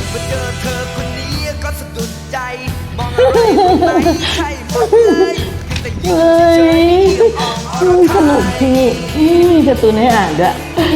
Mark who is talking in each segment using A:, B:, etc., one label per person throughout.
A: มาเจอเธอคนนี้ก็สะดุดใจมองอะไรไม่ใช่หมดเลยแต่ยิ่งเฉยๆ
B: สนุกที่การ์ตูนให้อ่านด้วย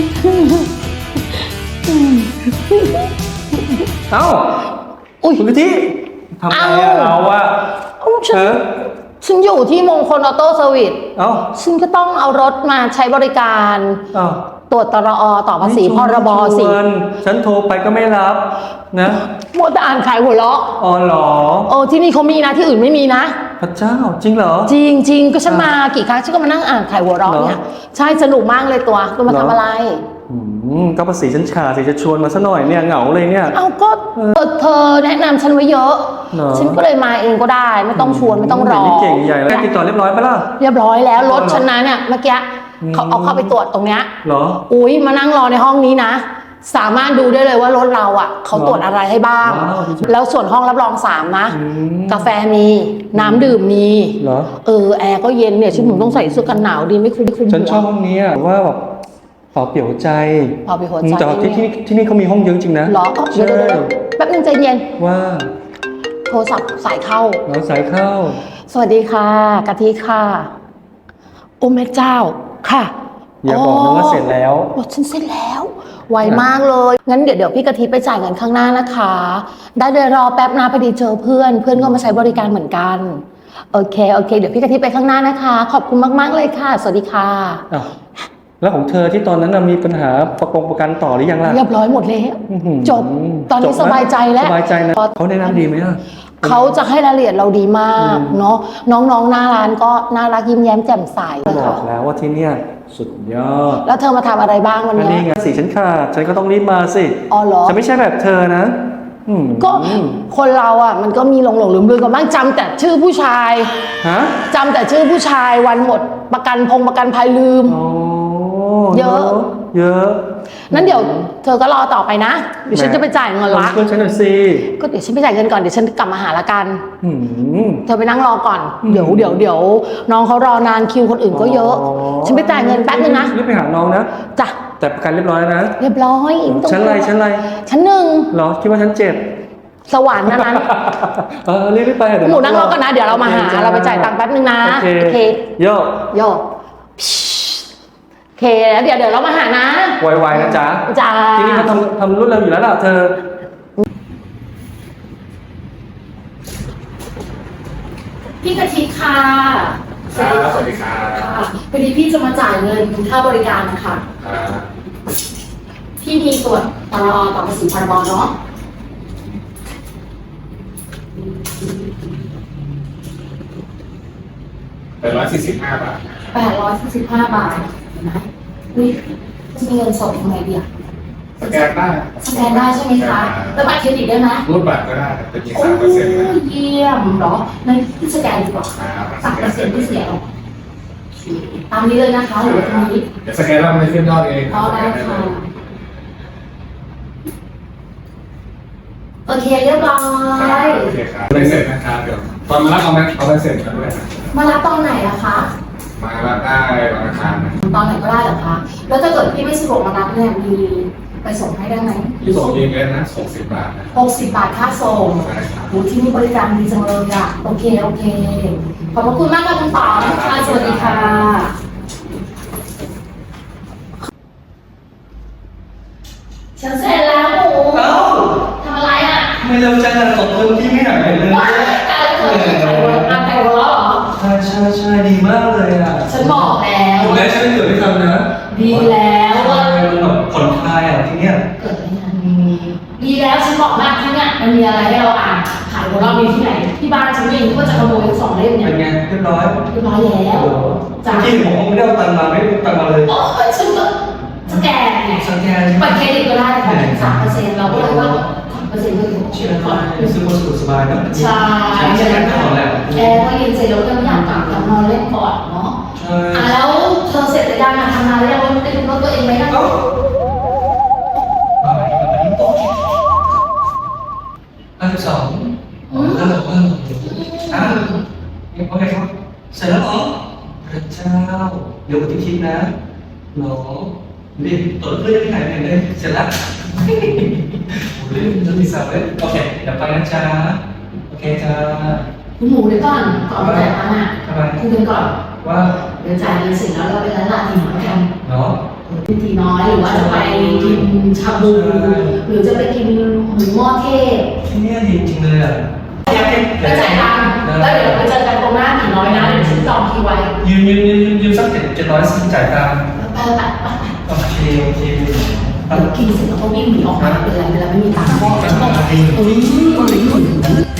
C: เอ้า
B: อุ๊ย
C: คุณพิธีทำไมอะเราอะ
B: ฉันอยู่ที่มงคลออโต้เซอร์วิส
C: เอ้า
B: ฉันก็ต้องเอารถมาใช้บริการ
C: เอ้า
B: ตรวจตรอต่อภาษีพรบสิ
C: ฉันโทรไปก็ไม่รับนะ
B: มัวแต่อ่านขายหัวเราะ
C: อ๋อเหรอ
B: ที่นี่เขามีนะที่อื่นไม่มีนะ
C: พระเจ้าจริงเหรอ
B: จริงก็ฉันมากี่ครั้งฉันก็มานั่งอ่านขายหัวเราะเนี่ย ใช่สนุกมากเลยตัวมาทำอะไร
C: ก็ภาษีฉันขาดสิจะชวนมาซะหน่อยเนี่ยเหงาเลยเนี่ย
B: เอาก็เธอแนะนำฉันไว้เยอะ
C: เหรอ
B: ฉันก็เลยมาเองก็ได้ไม่ต้องชวนไม่ต้องรอ
C: นี่เก่งใหญ่แล้วติดต่อเรียบร้อยปะล่ะ
B: เรียบร้อยแล้วรถฉันนะเนี่ยเมื่อกี้เขาเอาเข้าไปตรวจตรงเนี้ย
C: เหรอ
B: อุ้ยมานั่งรอในห้องนี้นะสามารถดูได้เลยว่ารถเราอ่ะเขาตรวจอะไรให้บ้าง
C: ว้าว
B: แล้วส่วนห้องรับรอง3นะกาแฟมีน้ำดื่มมี
C: เหรอ
B: แอร์ก็เย็นเนี่ยฉันต้องใส่เสื้อกันหนาวดีไม่คุ้ม
C: ฉันชอบห้องนี้อะว่าแบบเปล่าเปลี่ยวใจ
B: พอไปหัวใจ
C: แต่ว่าที่นี่เขามีห้องเยอะจริงนะ
B: เหรอเดี๋ยวแป๊บนึงใจเย็น
C: ว่า
B: โทรศัพท์สายเข้า
C: เราสายเข้า
B: สวัสดีค่ะกะทิค่ะโอ้แม่เจ้าค่ะ
C: อย่าบอกนะว่าเสร็จแล้ว
B: รถฉันเสร็จแล้วไวมากเลยงั้นเดี๋ยวพี่กะทิไปจ่ายเงินข้างหน้านะคะได้เลยรอแป๊บนะพอดีเจอเพื่อนก็มาใช้บริการเหมือนกันโอเคเดี๋ยวพี่กะทิไปข้างหน้านะคะขอบคุณมากๆเลยค่ะสวัสดีค่ะ
C: อ้าวแล้วของเธอที่ตอนนั้นน่ะมีปัญหาประกันต่อหรือยังล่ะ
B: เรียบร้อยหมดแล้ว
C: อื้อหือ
B: จบตอนนี้
C: จบนะ
B: สบายใจแล้ว
C: สบายใจนะเขาแนะนำดีไหมอะ
B: เขาจะให้รายละเอียดเราดีมากเนาะน้องๆหน้าร้านก็น่ารักยิ้มแย้มแจ่มใสเลย
C: บอ
B: ค่ะ
C: กแล้วว่าที่เนี่ยสุดยอด
B: แล้วเธอมาทำอะไรบ้างวัน
C: อัน
B: เนี้
C: นี้
B: ย
C: ไงสิฉันขาดฉันก็ต้องรีบมาสิ
B: อ๋อเหรอ
C: ฉันไม่ใช่แบบเธอนะม
B: ก็คนเราอ่ะมันก็มีหลงลืมกันบ้างจำแต่ชื่อผู้ชาย
C: ฮะ
B: จำแต่ชื่อผู้ชายวันหมดประกันภัยลืม
C: โอ้
B: เยอะ
C: เยอะ
B: นั้นเดี๋ยวเธอก็รอต่อไปนะเดี๋ยวฉันจะไปจ่ายเงินละ
C: เพื่อนฉันหน่อยสิ
B: ก็เดี๋ยวฉันไปจ่ายเงินก่อนเดี๋ยวฉันกลับมาหาละกัน
C: อืม
B: เธอไปนั่งรอก่อนเดี๋ยวน้องเขารอนานคิวคนอื่นก็เยอะ ฉันไปจ่ายเงินแป๊บนึงนะ
C: รีบไปหาน้องนะ
B: จ้ะ
C: แต่ประกันเรียบร้อยแล้วนะ
B: เรียบร้อยม่ต้อง
C: ชั้นอะไร
B: ชั้นหนึ่ง
C: เหรอคิดว่าฉันเจ็บ
B: สวรรค์นั้น
C: รีบไปเดี๋ยว
B: หมูนั่งรอก่อนนะเดี๋ยวเรามาหาเราไปจ่ายตังค์แป๊บนึงนะ
C: โอ
B: โอ
C: เค
B: เค
C: โย
B: โยโอเคแล้วเดี๋ยวเรามาหานะ
C: ไวๆนะจ๊ะ
B: จ้า
C: ที่นี่เขาทำรุ่นเร็วอยู่แล้วล่ะเธอ
B: พี่กะทิค่ะ
D: สวัสดีครับ
B: ค่ะพอดีพี่จะมาจ่ายเงินค่าบริการนะคะพี่มีตรวจตรอต่อภาษีพรบเนาะ
D: 145 บาท
B: 845 บาทเห็นไหมอุ้ยจะมีเงินสดยังไงดีอะ
D: สแกนได้
B: สแกนได้ใช่ไหมคะแล้วบัตรเครดิตได้ไหม
D: รูดบัตรก็ได้แต่จะมี
B: โอ้
D: 3%นะ
B: เยี่ยมเหรองั้นพี่สแกนดีกว่า 3%ที่เสียตามนี้เลยนะคะหรือว่าตรงนี้
D: เดี๋ยวสแกนแล้วมันจะขึ้นยอดเอง
B: อ๋อได้ค่ะโอเคเรียบร้อย
D: โอเคครับไปเสร็จนะครับเดี๋ยวตอนมารับเอาไปเสร็จกันด้วยนะ
B: มารับตอนไหนอะคะ
D: มารับได้วันอังคารนะ
B: ตอนไหนก็ได้เหรอคะ แล้วถ้าเกิดพี่ไม่สะดวกมารับเนี่ยมีไปส่งให้ได้ไหม
D: ที่ส่งเองเลยนะ60 บาทนะ
B: 60 บาทค่าส่ง
D: ได้ครับ
B: โอ้ที่นี่บริการดีจังเลยอะโอเค ขอบพระคุณมากค่ะคุณป๋อค่ะสวัสดีค่ะ ฉันเสร็จแล้วหมู
C: เอ้า
B: ทำอะไรอะ
C: ไม่เร็วจังเลยขอบคุณที่ไม่หายไปเลย
B: ว้ายการเธอขายวัวขายวัวเหรอ
C: ใช่ดีมากเลยอ่ะ
B: ฉันบอกแล้ว
C: ถูกแล้วฉันเกิดไม่ทันนะ
B: ดีแล้วว่า
C: มันแบบผ่อนคลายอ่ะที่เนี้ย
B: เกิดอะไรขึ้นดีแล้วฉันบอกมากที่เนี่ยมันมีอะไรให้เราอ่านขายของเรามีที่ไหนที่บ้านฉันเองก็จะขโมยทั้ง2 เล่มเนี่ย
C: เป็นไงเรียบร้อย
B: เรียบร้อยแล้วจ้ะ
C: จริงผมไม่ได้เอาตังค์มาไม่ได้เอาตังค์มาเลย
B: โอ้ยฉันก็สแกนไง
C: สแกน
B: บัตรเครดิตก็ได้แต่3%เราก็เลยว่า3%ก็ถือว่า
C: เชื่อก่อนรู้สึกว่าสบายนะ
B: ใช่
C: ใช่ไหมก่อนแหละ
B: แอร์ก็เย็นเสร็จแล้วก็อยากกลับนอนเล่นก่อนเนาะ
C: ใช่
B: แล้วเธอเสร็จหรือยังทำงานแล้วยังไม่ได้รู้ตัวเองไหมนะ
C: เอ้า52โอเคครับเสร็จแล้วเหรอพระเจ้าเดี๋ยวผมจะคิดนะหรอรีบเปิดเพื่อนที่ไหนเลยเสร็จแล้วจะมีสาวเลยโอเคเดี๋ยวไปนะจ๊ะโอเคจ้า
B: คุณหมูเดี๋ยวก่อนไปจ่ายตังค์อ่ะ
C: ทำไม
B: คุยกันก่อน
C: ว่า
B: เดี๋ยวจ่ายเงินเสร็จแล้วเราไปร้านลาทีน้อยกัน
C: เนาะ
B: ทีน้อยหรือว่าจะไปกินชาบู หรือจะไปกินหมูหม้อเทศ
C: ที่นี่ดีจริงเลยอ่ะ
B: ไปจ่ายตังค์แล้วเดี๋ยวไปเจอกันตรงหน้าทีน้อยนะเดี๋ยวฉันจองคิวไว้
C: ยืมสัก700สิจ่ายตังค์
B: ไปไป
C: โอเคโอเค
B: กินเสร็จแล้วก็วิ่งหนีออกมาเป็นไรไม่มีตังค์พ่อ
C: จะต้องมาเอง
B: เอ้ย